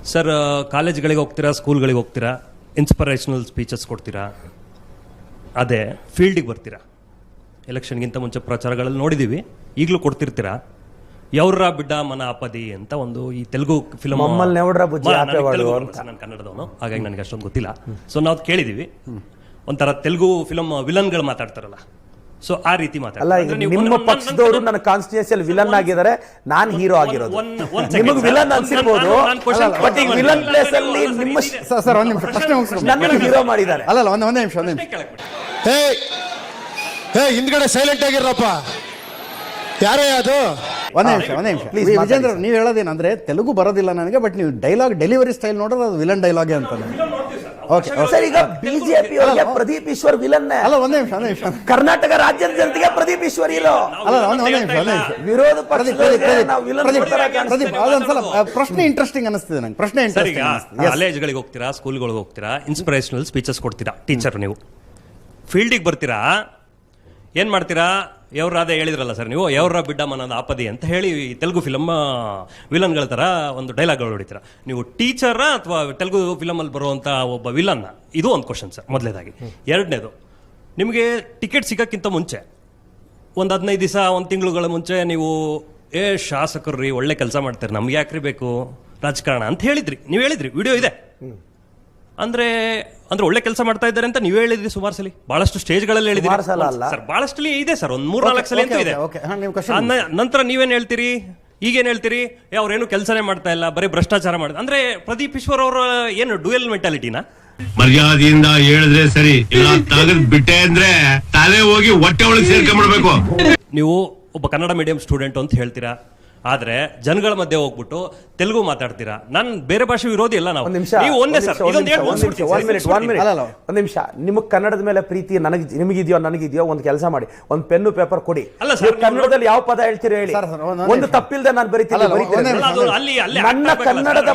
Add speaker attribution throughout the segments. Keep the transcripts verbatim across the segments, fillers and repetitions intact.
Speaker 1: Sir ಕಾಲೇಜ್ಗಳಿಗೆ ಹೋಗ್ತೀರಾ, ಸ್ಕೂಲ್ಗಳಿಗೆ ಹೋಗ್ತೀರಾ, inspirational speeches ಕೊಡ್ತೀರಾ, ಅದೇ ಫೀಲ್ಡಿಗೆ ಬರ್ತೀರಾ. ಎಲೆಕ್ಷನ್ಗಿಂತ ಮುಂಚೆ ಪ್ರಚಾರಗಳಲ್ಲಿ ನೋಡಿದ್ದೀವಿ, ಈಗಲೂ ಕೊಡ್ತಿರ್ತೀರಾ. ಯವ್ರ ಬಿಡ್ಡ ಮನ ಆಪದಿ ಅಂತ ಒಂದು ಈ ತೆಲುಗು ಫಿಲ್ಮ್, ನಾನು ಕನ್ನಡದವನು ಹಾಗಾಗಿ ನನಗೆ ಅಷ್ಟೊಂದು ಗೊತ್ತಿಲ್ಲ. ಸೊ ನಾವು ಕೇಳಿದೀವಿ, ಒಂಥರ ತೆಲುಗು ಫಿಲಮ್ ವಿಲನ್ಗಳು ಮಾತಾಡ್ತಾರಲ್ಲ, ಸೊ ಆ ರೀತಿ ಮಾತಾಡ್ತಾರೆ.
Speaker 2: ನಿಮ್ಮ ಪಕ್ಷದವರು ನನ್ನ ಕಾನ್ಸ್ಟಿಟ್ಯೂನ್ಸಿಯಲ್ಲಿ ವಿಲನ್ ಆಗಿದ್ದಾರೆ, ನಾನು ಹೀರೋ ಆಗಿರೋದು. ನಿಮಗೆ ವಿಲನ್ ಅನ್ಸಿರ್ಬೋದು, ಬಟ್ ಈ ವಿಲನ್ ಪ್ಲೇಸ್ ಅಲ್ಲಿ ನಿಮ್ಮ
Speaker 3: ಸರ್ ಒಂದ್ ನಿಮಿಷ ಪ್ರಶ್ನೆ ಮುಗಿಸ್ಕೊಂಡು
Speaker 2: ನನ್ನ ಹೀರೋ ಮಾಡಿದ್ದಾರೆ.
Speaker 3: ಅಲ್ಲ ಒಂದ್ ಒಂದೇ ನಿಮಿಷ ಒಂದೇ ನಿಮಿಷ
Speaker 4: ಹೇ ಹೇ ಹಿಂದ್ಗಡೆ ಸೈಲೆಂಟ್ ಆಗಿರಪ್ಪ, ಯಾರೇ ಅದು?
Speaker 3: ಒಂದೇ ನಿಮಿಷ ಒಂದೇ ನಿಮಿಷ ಪ್ಲೀಸ್. ವಿಜೇಂದ್ರ ನೀವು ಹೇಳೋದೇನಂದ್ರೆ ತೆಲುಗು ಬರೋದಿಲ್ಲ ನನಗೆ, ಬಟ್ ನೀವು ಡೈಲಾಗ್ ಡೆಲಿವರಿ ಸ್ಟೈಲ್ ನೋಡಿದ್ರೆ ಅದು ವಿಲನ್ ಡೈಲಾಗ್ ಅಂತ. ಓಕೆ
Speaker 2: ಸರ್, ಈಗ ಬಿಜೆಪಿ ಅವರಿಗೆ ಪ್ರದೀಪ್ ಈಶ್ವರ್ ವಿಲನ್.
Speaker 3: ಅಲ್ಲ ಒಂದೇ ನಿಮಿಷ ಒಂದೇ ನಿಮಿಷ
Speaker 2: ಕರ್ನಾಟಕ ರಾಜ್ಯದ ಜನತೆಗೆ ಪ್ರದೀಪ್ ಈಶ್ವರ್ ಇಲ್ಲ.
Speaker 3: ಅಲ್ಲ ಒಂದೇ ಒಂದೇ ನಿಮಿಷ ಒಂದೇ ನಿಮಿಷ
Speaker 2: ವಿರೋಧ ಪ್ರದೀಪ್
Speaker 3: ಅದೊಂದ್ಸಲ ಪ್ರಶ್ನೆ ಇಂಟ್ರೆಸ್ಟಿಂಗ್ ಅನಿಸ್ತಿದೆ ನಂಗೆ. ಪ್ರಶ್ನೆ ಇಂಟ್ರೆಸ್ಟಿಂಗ್.
Speaker 1: ಕಾಲೇಜ್ಗಳಿಗೆ ಹೋಗ್ತೀರಾ, ಸ್ಕೂಲ್ಗಳಿಗೆ ಹೋಗ್ತೀರಾ, ಇನ್ಸ್ಪಿರೇಷನಲ್ ಸ್ಪೀಚಸ್ ಕೊಡ್ತೀರಾ, ಟೀಚರ್ ನೀವು. ಫೀಲ್ಡಿಗೆ ಬರ್ತೀರಾ, ಏನ್ ಮಾಡ್ತೀರಾ? ಯವ್ರಾದ ಹೇಳಿದ್ರಲ್ಲ ಸರ್ ನೀವು, ಯವ್ರ ಬಿಡ್ಡ ಮನದ ಆಪದಿ ಅಂತ ಹೇಳಿ ತೆಲುಗು ಫಿಲಮ್ ವಿಲನ್ಗಳ ಥರ ಒಂದು ಡೈಲಾಗ್ಗಳು ಹೊಡಿತೀರಾ. ನೀವು ಟೀಚರ ಅಥವಾ ತೆಲುಗು ಫಿಲಮಲ್ಲಿ ಬರುವಂಥ ಒಬ್ಬ ವಿಲನ್ನ? ಇದು ಒಂದು ಕ್ವಶನ್ ಸರ್, ಮೊದಲನೇದಾಗಿ. ಎರಡನೇದು, ನಿಮಗೆ ಟಿಕೆಟ್ ಸಿಗೋಕ್ಕಿಂತ ಮುಂಚೆ ಒಂದು ಹದಿನೈದು ದಿವಸ ಒಂದು ತಿಂಗಳುಗಳ ಮುಂಚೆ ನೀವು ಏ ಶಾಸಕರು ರೀ ಒಳ್ಳೆ ಕೆಲಸ ಮಾಡ್ತಾರೆ, ನಮ್ಗೆ ಯಾಕ್ರಿ ಬೇಕು ರಾಜಕಾರಣ ಅಂತ ಹೇಳಿದ್ರಿ. ನೀವು ಹೇಳಿದ್ರಿ, ವಿಡಿಯೋ ಇದೆ. ಅಂದ್ರೆ ಅಂದ್ರೆ ಒಳ್ಳೆ ಕೆಲಸ ಮಾಡ್ತಾ ಇದ್ದಾರೆ ಅಂತ ನೀವೇ ಹೇಳಿದ್ರಿ ಸುಮಾರು ಸಲ, ಬಹಳಷ್ಟು ಸ್ಟೇಜ್ಗಳಲ್ಲಿ ಹೇಳಿದ್ರಿ ಸರ್, ಬಹಳಷ್ಟು ಇದೆ ಸರ್, ಒಂದ್ ಮೂರ್ ನಾಲ್ಕು ಸಲ ಅಂತ ಇದೆ. ನಂತರ ನೀವೇನ್ ಹೇಳ್ತೀರಿ, ಈಗೇನ್ ಹೇಳ್ತೀರಿ, ಅವ್ರೇನು ಕೆಲಸನೇ ಮಾಡ್ತಾ ಇಲ್ಲ, ಬರೀ ಭ್ರಷ್ಟಾಚಾರ ಮಾಡ್ತಾರೆ. ಅಂದ್ರೆ ಪ್ರದೀಪ್ ಈಶ್ವರ್ ಅವರ ಏನು ಡ್ಯುಯಲ್ ಮೆಂಟಾಲಿಟಿನ?
Speaker 5: ಮರ್ಯಾದೆಯಿಂದ ಹೇಳಿದ್ರೆ ಸರಿ, ಇಲ್ಲ ತಗದ್ ಬಿಟ್ಟೆ ಅಂದ್ರೆ ತಲೆ ಹೋಗಿ ಹೊಟ್ಟೆ ಒಳಗೆ ಸೇರ್ಕೊಂಡ್ಬಿಡ್ಬೇಕು.
Speaker 1: ನೀವು ಒಬ್ಬ ಕನ್ನಡ ಮೀಡಿಯಂ ಸ್ಟೂಡೆಂಟ್ ಅಂತ ಹೇಳ್ತೀರಾ, ಆದ್ರೆ ಜನಗಳ ಮಧ್ಯೆ ಹೋಗ್ಬಿಟ್ಟು ತೆಲುಗು ಮಾತಾಡ್ತೀರಾ. ನಾನು ಬೇರೆ ಭಾಷೆ ವಿರೋಧಿ ಎಲ್ಲ. ನಾವು ನೀವು ಒಂದೇ ಸರ್,
Speaker 2: ಒಂದ್ ನಿಮಿಷ, ನಿಮಗ್ ಕನ್ನಡದ ಮೇಲೆ ಪ್ರೀತಿ ನನಗೆ ನಿಮಗಿದೆಯೋ ನನಗಿದೆಯೋ ಒಂದು ಕೆಲಸ ಮಾಡಿ, ಒಂದು ಪೆನ್ನು ಪೇಪರ್ ಕೊಡಿ. ಕನ್ನಡದಲ್ಲಿ ಯಾವ ಪದ ಹೇಳ್ತೀರಿ ಹೇಳಿ, ಒಂದು ತಪ್ಪಿಲ್ದೆ ನಾನು ಬರೀತೀನಿ. ನನ್ನ ಕನ್ನಡದ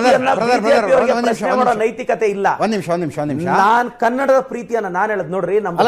Speaker 2: ಪ್ರೀತಿಯನ್ನ ನೈತಿಕತೆ ಇಲ್ಲ.
Speaker 3: ಒಂದ್ ನಿಮಿಷ ಒಂದ್ ನಿಮಿಷ ಒಂದ್ ನಿಮಿಷ
Speaker 2: ನಾನ್ ಕನ್ನಡದ ಪ್ರೀತಿಯನ್ನ ನಾನು ಹೇಳದ್ ನೋಡ್ರಿ. ನಮ್ಮ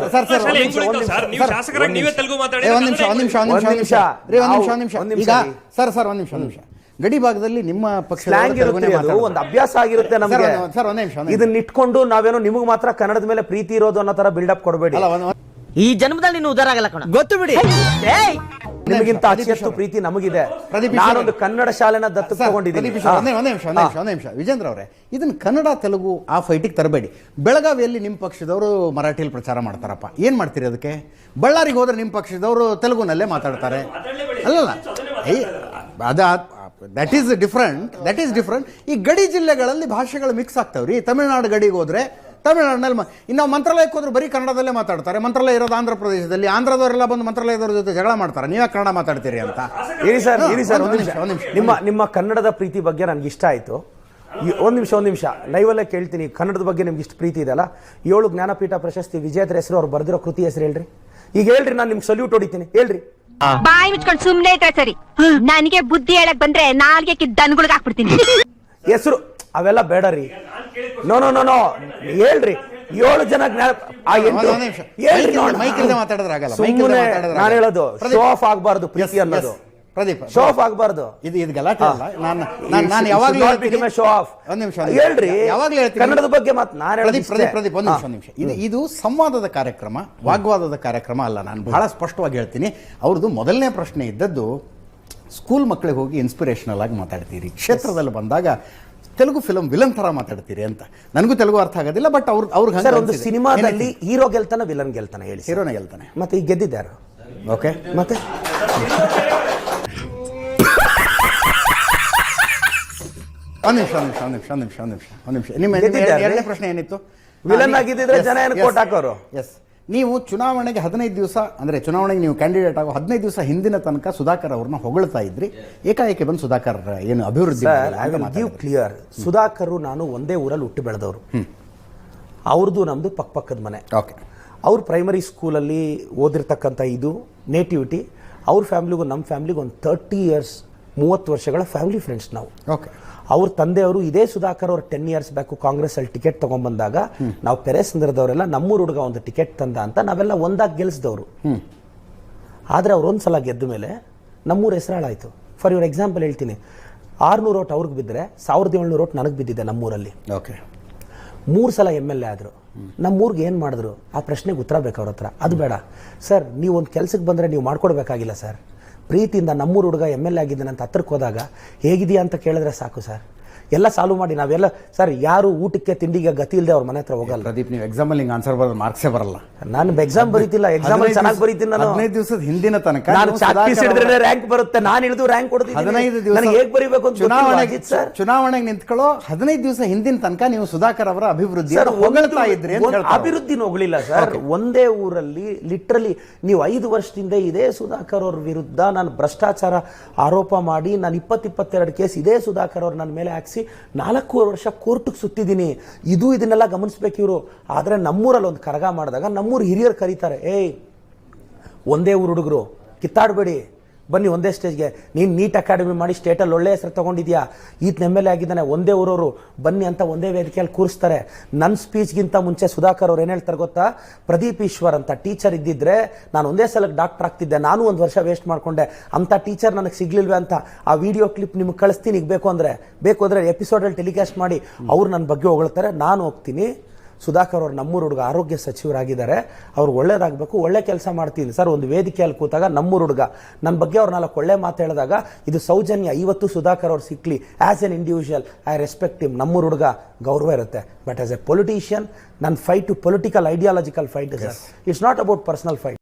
Speaker 3: ಸರ್ ಸರ್ ಒಂದ್ ನಿಮಿಷ ಒಂದ್ ನಿಮಿಷ ಗಡಿ ಭಾಗದಲ್ಲಿ ನಿಮ್ಮ ಪಕ್ಷ
Speaker 2: ಒಂದು ಅಭ್ಯಾಸ ಆಗಿರುತ್ತೆ ನಮಗೆ.
Speaker 3: ಸರ್ ಒಂದ್ ನಿಮಿಷ,
Speaker 2: ಇದನ್ನ ಇಟ್ಕೊಂಡು ನಾವೇನೋ ನಿಮಗ್ ಮಾತ್ರ ಕನ್ನಡದ ಮೇಲೆ ಪ್ರೀತಿ ಇರೋದು ಅನ್ನೋ ತರ ಬಿಲ್ಡಪ್ ಕೊಡಬೇಡಿ.
Speaker 6: ಈ ಜನ್ಮದಲ್ಲಿ ನೀನು ಉದಾರ ಆಗಲ್ಲ ಕಣ,
Speaker 2: ಗೊತ್ತು ಬಿಡಿ. ನಿಮಗಿಂತ ಅತಿಹೆಚ್ಚು ಪ್ರೀತಿ ನಮಗಿದೆ. ನಾನೊಂದು ಕನ್ನಡ ಶಾಲೆನ ದತ್ತು ತಗೊಂಡಿದ್ದೀನಿ.
Speaker 3: ಒಂದೇ ನಿಮಿಷ ಒಂದೇ ನಿಮಿಷ ಒಂದೇ ನಿಮಿಷ ವಿಜೇಂದ್ರ ಅವರೇ, ಇದನ್ನ ಕನ್ನಡ ತೆಲುಗು ಆ ಫೈಟಿಗೆ ತರಬೇಡಿ. ಬೆಳಗಾವಿಯಲ್ಲಿ ನಿಮ್ಮ ಪಕ್ಷದವರು ಮರಾಠಿಯಲ್ಲಿ ಪ್ರಚಾರ ಮಾಡ್ತಾರಪ್ಪ, ಏನ್ ಮಾಡ್ತೀರಿ ಅದಕ್ಕೆ? ಬಳ್ಳಾರಿಗೆ ಹೋದ್ರೆ ನಿಮ್ಮ ಪಕ್ಷದವರು ತೆಲುಗುನಲ್ಲೇ ಮಾತಾಡ್ತಾರೆ. ಅಲ್ಲಲ್ಲ, ಅದ that is different that is different ಈ ಗಡಿ ಜಿಲ್ಲೆಗಳಲ್ಲಿ ಭಾಷೆಗಳು ಮಿಕ್ಸ್ ಆಗ್ತಾವ್ರಿ. ತಮಿಳುನಾಡು ಗಡಿಗೆ ಹೋದ್ರೆ ತಮಿಳುನಾಡಿನಲ್ಲಿ ಇನ್ನು ಮಂತ್ರಾಲಯಕ್ಕೆ ಹೋದ್ರೆ ಬರೀ ಕನ್ನಡದಲ್ಲೇ ಮಾತಾಡ್ತಾರೆ. ಮಂತ್ರಾಲಯ ಇರೋದು ಆಂಧ್ರ ಪ್ರದೇಶದಲ್ಲಿ, ಆಂಧ್ರದವರೆಲ್ಲ ಬಂದು ಮಂತ್ರಾಲಯದವ್ರ ಜೊತೆ ಜಗಳ ಮಾಡ್ತಾರೆ, ನೀವೇ ಕನ್ನಡ ಮಾತಾಡ್ತೀರಿ ಅಂತ.
Speaker 2: ಇರಿ ಸರ್ ಇರಿ ಸರ್ ಒಂದು ನಿಮಿಷ ಒಂದು ನಿಮಿಷ ನಿಮ್ಮ ನಿಮ್ಮ ಕನ್ನಡದ ಪ್ರೀತಿ ಬಗ್ಗೆ ನನಗೆ ಇಷ್ಟ ಆಯಿತು. ಒಂದು ನಿಮಿಷ ಒಂದು ನಿಮಿಷ ಲೈವಲ್ಲೇ ಕೇಳ್ತೀನಿ, ಕನ್ನಡದ ಬಗ್ಗೆ ನಿಮ್ಗೆ ಇಷ್ಟು ಪ್ರೀತಿ ಇದೆಯಲ್ಲ, ಏಳು ಜ್ಞಾನಪೀಠ ಪ್ರಶಸ್ತಿ ವಿಜೇತರ ಹೆಸರು, ಅವ್ರು ಬರೆದಿರೋ ಕೃತಿ ಹೆಸರು ಹೇಳ್ರಿ. ಈಗ ಹೇಳ್ರಿ, ನಾನು ನಿಮ್ಗೆ ಸಲ್ಯೂಟ್ ಹೊಡಿತೀನಿ, ಹೇಳ್ರಿ.
Speaker 7: ಬಾಯಿ ಮುಚ್ಕೊಂಡು ಸುಮ್ಮನೆ ಇದ್ರೆ ಸರಿ, ನನಗೆ ಬುದ್ಧಿ ಹೇಳಕ್ ಬಂದ್ರೆ ನಾಲ್ಗೆ ದನಗಳಿಗೆ ಹಾಕ್ಬಿಡ್ತೀನಿ.
Speaker 2: ಹೆಸರು ಅವೆಲ್ಲ ಬೇಡ ರೀ. ನೋ ನೋ ನೋ ನೋ ಹೇಳ್ರಿ. ಏಳು ಜನ ನಾನು ಹೇಳೋದು ಶೋ ಆಫ್ ಆಗಬಾರ್ದು ಪ್ರೀತಿ ಅನ್ನೋದು.
Speaker 3: ಪ್ರದೀಪ್
Speaker 2: ಶೋ ಆಫ್ ಆಗಬಾರ್ದು.
Speaker 3: ಇದು ಇದು ಗಲಾಟೆ ಅಲ್ಲ. ನಾನು ನಾನು ಯಾವಾಗಲೂ ಹೇಳ್ತೀನಿ
Speaker 2: ಶೋ ಆಫ್.
Speaker 3: ಒಂದು ನಿಮಿಷ
Speaker 2: ಹೇಳ್ರಿ,
Speaker 3: ಯಾವಾಗಲೂ ಹೇಳ್ತೀನಿ
Speaker 2: ಕನ್ನಡದ ಬಗ್ಗೆ ಮಾತು ನಾನು ಹೇಳೋದು.
Speaker 3: ಪ್ರದೀಪ್ ಪ್ರದೀಪ್ ಒಂದು ನಿಮಿಷ ಒಂದು ನಿಮಿಷ ಇದು ಇದು ಸಂವಾದದ ಕಾರ್ಯಕ್ರಮ, ವಾಗ್ವಾದದ ಕಾರ್ಯಕ್ರಮ ಅಲ್ಲ. ನಾನು ಬಹಳ ಸ್ಪಷ್ಟವಾಗಿ ಹೇಳ್ತೀನಿ, ಅವ್ರದ್ದು ಮೊದಲನೇ ಪ್ರಶ್ನೆ ಇದ್ದದ್ದು ಸ್ಕೂಲ್ ಮಕ್ಕಳಿಗೆ ಹೋಗಿ ಇನ್ಸ್ಪಿರೇಷನಲ್ ಆಗಿ ಮಾತಾಡ್ತೀರಿ, ಕ್ಷೇತ್ರದಲ್ಲಿ ಬಂದಾಗ ತೆಲುಗು ಫಿಲಂ ವಿಲನ್ ತರ ಮಾತಾಡ್ತೀರಿ ಅಂತ. ನನಗೂ ತೆಲುಗು ಅರ್ಥ ಆಗೋದಿಲ್ಲ, ಬಟ್ ಅವ್ರು ಅವ್ರಿಗೆ
Speaker 2: ಒಂದು ಸಿನಿಮಾದಲ್ಲಿ ಹೀರೋ ಗೆಲ್ತಾನೆ ವಿಲನ್ ಗೆಲ್ತಾನೆ ಹೇಳಿ?
Speaker 3: ಹೀರೋನೇ ಗೆಲ್ತಾನೆ.
Speaker 2: ಮತ್ತೆ ಈಗ ಗೆದ್ದಿದ್ದಾರು.
Speaker 3: ಓಕೆ,
Speaker 2: ಮತ್ತೆ
Speaker 3: ಒಂದು ನಿಮಿಷ ಒಂದು ನಿಮಿಷ ಒಂದು ನಿಮಿಷ ಒಂದು ನಿಮಿಷ ಒಂದು ನಿಮಿಷ ಒಂದು ನಿಮಿಷ ನಿಮ್ಮ ಎರಡನೇ ಪ್ರಶ್ನೆ ಏನಿತ್ತು?
Speaker 2: ವಿಲನ್ ಆಗಿದ್ದಿದ್ರೆ ಜನ ಏನು ಕೋಟ್ ಹಾಕೋರು?
Speaker 3: ಎಸ್, ನೀವು ಚುನಾವಣೆಗೆ ಹದಿನೈದು ದಿವಸ ಅಂದರೆ ಚುನಾವಣೆಗೆ ನೀವು ಕ್ಯಾಂಡಿಡೇಟ್ ಆಗೋ ಹದಿನೈದು ದಿವಸ ಹಿಂದಿನ ತನಕ ಸುಧಾಕರ್ ಅವ್ರನ್ನ ಹೊಗಳ್ತಾ ಇದ್ರಿ. ಏಕಾಏಕಿ ಬಂದು ಸುಧಾಕರ್ ಏನು ಅಭಿವೃದ್ಧಿ
Speaker 2: ಕ್ಲಿಯರ್. ಸುಧಾಕರ್ ನಾನು ಒಂದೇ ಊರಲ್ಲಿ ಹುಟ್ಟು ಬೆಳೆದವರು. ಅವ್ರದ್ದು ನಮ್ದು ಪಕ್ಕ ಪಕ್ಕದ ಮನೆ.
Speaker 3: ಓಕೆ,
Speaker 2: ಅವ್ರ ಪ್ರೈಮರಿ ಸ್ಕೂಲಲ್ಲಿ ಓದಿರ್ತಕ್ಕಂಥ ಇದು ನೇಟಿವಿಟಿ. ಅವ್ರ ಫ್ಯಾಮಿಲಿಗೂ ನಮ್ಮ ಫ್ಯಾಮಿಲಿಗೂ ಒಂದು ತರ್ಟಿ ಇಯರ್ಸ್ ಮೂವತ್ತು ವರ್ಷಗಳ ಫ್ಯಾಮಿಲಿ ಫ್ರೆಂಡ್ಸ್ ನಾವು.
Speaker 3: ಓಕೆ,
Speaker 2: ಅವ್ರ ತಂದೆಯವರು ಇದೇ ಸುಧಾಕರ್ ಅವ್ರು ಟೆನ್ ಇಯರ್ಸ್ ಬ್ಯಾಕು ಕಾಂಗ್ರೆಸ್ ಅಲ್ಲಿ ಟಿಕೆಟ್ ತಗೊಂಡ್ಬಂದಾಗ ನಾವು ಪೆರೇಸಂದ್ರದವರೆಲ್ಲ ನಮ್ಮೂರು ಹುಡುಗ ಒಂದು ಟಿಕೆಟ್ ತಂದ ಅಂತ ನಾವೆಲ್ಲ ಒಂದಾಗಿ ಗೆಲ್ಸಿದವರು. ಆದ್ರೆ ಅವ್ರು ಒಂದ್ಸಲ ಗೆದ್ದ ಮೇಲೆ ನಮ್ಮೂರು ಹೆಸರಾಳಾಯ್ತು. ಫಾರ್ ಯುವರ್ ಎಕ್ಸಾಂಪಲ್ ಹೇಳ್ತೀನಿ, ಆರ್ನೂರು ಓಟ್ ಅವ್ರಿಗೆ ಬಿದ್ದರೆ ಸಾವಿರದ ಏಳ್ನೂರು ಓಟ್ ನನಗೆ ಬಿದ್ದಿದೆ ನಮ್ಮೂರಲ್ಲಿ.
Speaker 3: ಓಕೆ,
Speaker 2: ಮೂರು ಸಲ ಎಮ್ ಎಲ್ ಎ ಆದರು. ನಮ್ಮೂರಿಗೆ ಏನು ಮಾಡಿದ್ರು ಆ ಪ್ರಶ್ನೆಗೆ ಉತ್ತರ ಬೇಕು ಅವ್ರ ಹತ್ರ. ಅದು ಬೇಡ ಸರ್, ನೀವು ಒಂದು ಕೆಲಸಕ್ಕೆ ಬಂದರೆ ನೀವು ಮಾಡ್ಕೊಡ್ಬೇಕಾಗಿಲ್ಲ ಸರ್. ಪ್ರೀತಿಯಿಂದ ನಮ್ಮೂರು ಹುಡುಗ ಎಮ್ ಎಲ್ ಎ ಆಗಿದ್ದಾನೆ ಅಂತ ಹತ್ರಕ್ಕೆ ಹೋದಾಗ ಹೇಗಿದೆಯಾ ಅಂತ ಕೇಳಿದ್ರೆ ಸಾಕು ಸರ್, ಎಲ್ಲ ಸಾಲ್ವ್ ಮಾಡಿ. ನಾವೆಲ್ಲ ಸರ್ ಯಾರು ಊಟಕ್ಕೆ ತಿಂಡಿಗೆ ಗತಿ ಇಲ್ಲದೆ ಅವ್ರ ಮನೆ ಹತ್ರ ಹೋಗಲ್ಲ.
Speaker 3: ಪ್ರದೀಪ್, ನೀವು ಎಕ್ಸಾಮಲ್ಲಿ ಹಿಂಗೆ ಆನ್ಸರ್ ಬರೋದು ಮಾರ್ಕ್ಸೇ ಬರಲ್ಲ.
Speaker 2: ನಾನು ಎಕ್ಸಾಮ್ ಬರೀತಿಲ್ಲ, ಎಕ್ಸಾಮ್ ಚೆನ್ನಾಗಿ ಬರೀತೀನಿ. ನಾನು
Speaker 3: ಹದಿನೈದು ದಿವಸದ ಹಿಂದಿನ ತನಕ
Speaker 2: ನಾನು
Speaker 3: ನೀವು
Speaker 2: ಚಾಕ್ ಪೀಸ್
Speaker 3: ಸುಧಾಕರ್
Speaker 2: ಹಿಡಿದ್ರೆ
Speaker 3: ಅವರ-
Speaker 2: ರ್ಯಾಂಕ್ ಬರುತ್ತೆ. ನಾನು ಹಿಡಿದು ರ್ಯಾಂಕ್ ಕೊಡ್ತೀನಿ.
Speaker 3: ಹದಿನೈದು ದಿವಸ
Speaker 2: ನನಗೆ ಹೇಗೆ ಬರೀಬೇಕು ಅಂತ
Speaker 3: ಚುನಾವಣೆಗೆ
Speaker 2: ಸರ್.
Speaker 3: ಚುನಾವಣೆಗೆ ನಿಂತ್ಕೊಳ್ಳೋ ಹದಿನೈದು ದಿವಸ ಹಿಂದಿನ ತನಕ ನೀವು ಸುಧಾಕರ್ ಅವರ ಅಭಿವೃದ್ಧಿ ಹೊಗಳ್ತಾ ಇದ್ರಿ ಅಂತ ಹೇಳ್ತಾರೆ.
Speaker 2: ಅಭಿವೃದ್ಧಿ ಹೋಗಲಿಲ್ಲ ಸರ್. ಒಂದೇ ೂರಲ್ಲಿ ಲಿಟ್ರಲಿ ನೀವು ಐದು ವರ್ಷದಿಂದ ಇದೇ ಸುಧಾಕರ್ ಅವ್ರ ವಿರುದ್ಧ ನಾನು ಭ್ರಷ್ಟಾಚಾರ ಆರೋಪ ಮಾಡಿ ನಾನು ಇಪ್ಪತ್ತು ಇಪ್ಪತ್ತೆರಡು ಕೇಸ್ ಇದೇ ಸುಧಾಕರ್ ಅವ್ರು ನನ್ನ ಮೇಲೆ ಹಾಕ್ಸಿ ನಾಲ್ಕೂವರೆ ವರ್ಷ ಕೋರ್ಟ್ಗೆ ಸುತ್ತಿದ್ದೀನಿ. ಇದು ಇದನ್ನೆಲ್ಲ ಗಮನಿಸ್ಬೇಕು ಇವರು. ಆದರೆ ನಮ್ಮೂರಲ್ಲಿ ಒಂದು ಕರಗ ಮಾಡಿದಾಗ ನಮ್ಮೂರು ಹಿರಿಯರು ಕರೀತಾರೆ, ಏಯ್ ಒಂದೇ ಊರು ಹುಡುಗರು ಕಿತ್ತಾಡಬೇಡಿ, ಬನ್ನಿ ಒಂದೇ ಸ್ಟೇಜ್ಗೆ. ನೀನು ನೀಟ್ ಅಕಾಡೆಮಿ ಮಾಡಿ ಸ್ಟೇಟಲ್ಲಿ ಒಳ್ಳೆ ಹೆಸರು ತೊಗೊಂಡಿದ್ಯಾ, ಈತ ಎಮ್ ಎಲ್ ಎ ಆಗಿದ್ದಾನೆ, ಒಂದೇ ಊರವರು ಬನ್ನಿ ಅಂತ ಒಂದೇ ವೇದಿಕೆಯಲ್ಲಿ ಕೂರಿಸ್ತಾರೆ. ನನ್ನ ಸ್ಪೀಚ್ಗಿಂತ ಮುಂಚೆ ಸುಧಾಕರ್ ಅವ್ರು ಏನು ಹೇಳ್ತಾರೆ ಗೊತ್ತಾ, ಪ್ರದೀಪ್ ಈಶ್ವರ್ ಅಂತ ಟೀಚರ್ ಇದ್ದಿದ್ರೆ ನಾನು ಒಂದೇ ಸಲಕ್ಕೆ ಡಾಕ್ಟರ್ ಆಗ್ತಿದ್ದೆ, ನಾನು ಒಂದು ವರ್ಷ ವೇಸ್ಟ್ ಮಾಡಿಕೊಂಡೆ, ಅಂಥ ಟೀಚರ್ ನನಗೆ ಸಿಗ್ಲಿಲ್ವೇ ಅಂತ ಆ ವಿಡಿಯೋ ಕ್ಲಿಪ್ ನಿಮ್ಗೆ ಕಳಿಸ್ತೀನಿ. ಈಗ ಬೇಕು ಅಂದರೆ ಬೇಕು ಅಂದರೆ ಎಪಿಸೋಡಲ್ಲಿ ಟೆಲಿಕಾಸ್ಟ್ ಮಾಡಿ ಅವ್ರು ನನ್ನ ಬಗ್ಗೆ ಹೊಗಳ್ತಾರೆ, ನಾನು ಹೋಗ್ತೀನಿ. ಸುಧಾಕರ್ ಅವರು ನಮ್ಮೂರು ಹುಡುಗ ಆರೋಗ್ಯ ಸಚಿವರಾಗಿದ್ದಾರೆ, ಅವ್ರು ಒಳ್ಳೇದಾಗಬೇಕು, ಒಳ್ಳೆ ಕೆಲಸ ಮಾಡ್ತೀನಿ ಸರ್. ಒಂದು ವೇದಿಕೆಯಲ್ಲಿ ಕೂತಾಗ ನಮ್ಮೂರು ಹುಡುಗ ನನ್ನ ಬಗ್ಗೆ ಅವ್ರು ನಾಲ್ಕು ಒಳ್ಳೆ ಮಾತು ಹೇಳಿದಾಗ ಇದು ಸೌಜನ್ಯ. ಇವತ್ತು ಸುಧಾಕರ್ ಅವ್ರು ಸಿಕ್ಲಿ as an individual I respect him. ನಮ್ಮೂರು ಹುಡುಗ ಗೌರವ ಇರುತ್ತೆ. ಬಟ್ ಆಸ್ ಎ ಪೊಲಿಟಿಷಿಯನ್ ನನ್ನ fight to political ideological fight sir. It's not about personal fight.